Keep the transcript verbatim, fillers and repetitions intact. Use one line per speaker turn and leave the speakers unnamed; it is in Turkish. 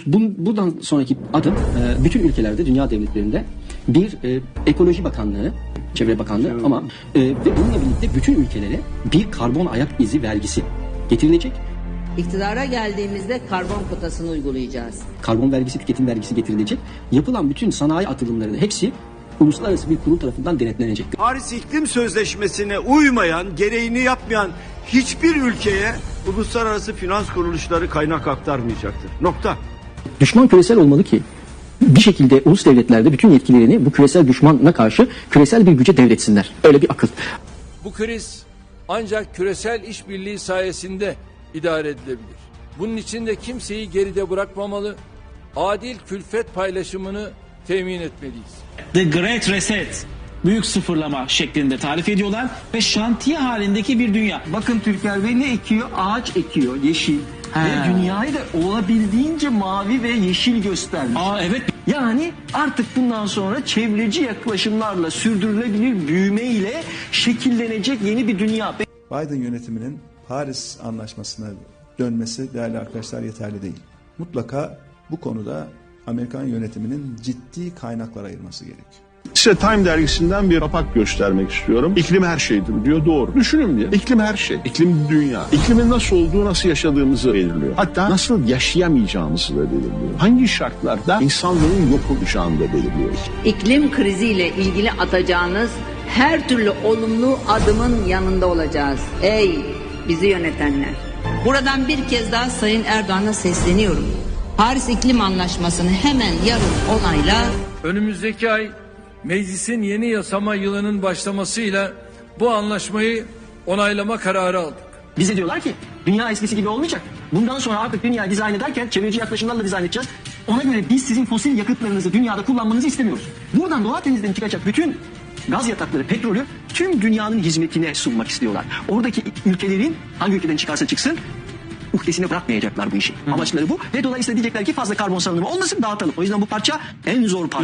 Buradan sonraki adım bütün ülkelerde, dünya devletlerinde bir e, ekoloji bakanlığı, çevre bakanlığı evet. ama e, ve bununla birlikte bütün ülkelere bir karbon ayak izi vergisi getirilecek.
İktidara geldiğimizde karbon kotasını uygulayacağız.
Karbon vergisi, tüketim vergisi getirilecek. Yapılan bütün sanayi atılımlarının hepsi uluslararası bir kurul tarafından denetlenecek.
Paris İklim Sözleşmesi'ne uymayan, gereğini yapmayan hiçbir ülkeye uluslararası finans kuruluşları kaynak aktarmayacaktır. Nokta.
Düşman küresel olmalı ki bir şekilde ulus devletlerde bütün yetkilerini bu küresel düşmana karşı küresel bir güce devretsinler. Öyle bir akıl.
Bu kriz ancak küresel işbirliği sayesinde idare edilebilir. Bunun için de kimseyi geride bırakmamalı, adil külfet paylaşımını temin etmeliyiz.
The Great Reset, büyük sıfırlama şeklinde tarif ediyorlar ve şantiye halindeki bir dünya.
Bakın Türker Bey ne ekiyor? Ağaç ekiyor, yeşil. He. Ve dünyayı da olabildiğince mavi ve yeşil göstermiş.
Aa evet.
Yani artık bundan sonra çevreci yaklaşımlarla sürdürülebilir büyümeyle şekillenecek yeni bir dünya.
Biden yönetiminin Paris Anlaşması'na dönmesi değerli arkadaşlar yeterli değil. Mutlaka bu konuda Amerikan yönetiminin ciddi kaynaklar ayırması gerekiyor.
Size Time dergisinden bir rapak göstermek istiyorum. İklim her şeydir diyor, doğru. Düşünün diye. İklim her şey. İklim dünya. İklimin nasıl olduğu, nasıl yaşadığımızı belirliyor. Hatta nasıl yaşayamayacağımızı da belirliyor. Hangi şartlarda insanlığın yok olacağını da belirliyor.
İklim kriziyle ilgili atacağınız her türlü olumlu adımın yanında olacağız. Ey bizi yönetenler! Buradan bir kez daha Sayın Erdoğan'a sesleniyorum. Paris İklim Anlaşması'nı hemen yarın onayla.
Önümüzdeki ay meclisin yeni yasama yılının başlamasıyla bu anlaşmayı onaylama kararı aldık.
Bize diyorlar ki dünya eskisi gibi olmayacak. Bundan sonra artık dünyayı dizayn ederken çevreci yaklaşımlarla dizayn edeceğiz. Ona göre biz sizin fosil yakıtlarınızı dünyada kullanmanızı istemiyoruz. Buradan Doğu Akdeniz'den çıkacak bütün gaz yatakları, petrolü tüm dünyanın hizmetine sunmak istiyorlar. Oradaki ülkelerin hangi ülkeden çıkarsa çıksın uhdesine bırakmayacaklar bu işi. Hı. Amaçları bu ve dolayısıyla diyecekler ki fazla karbon salınımı olmasın, dağıtalım. O yüzden bu parça en zor parça.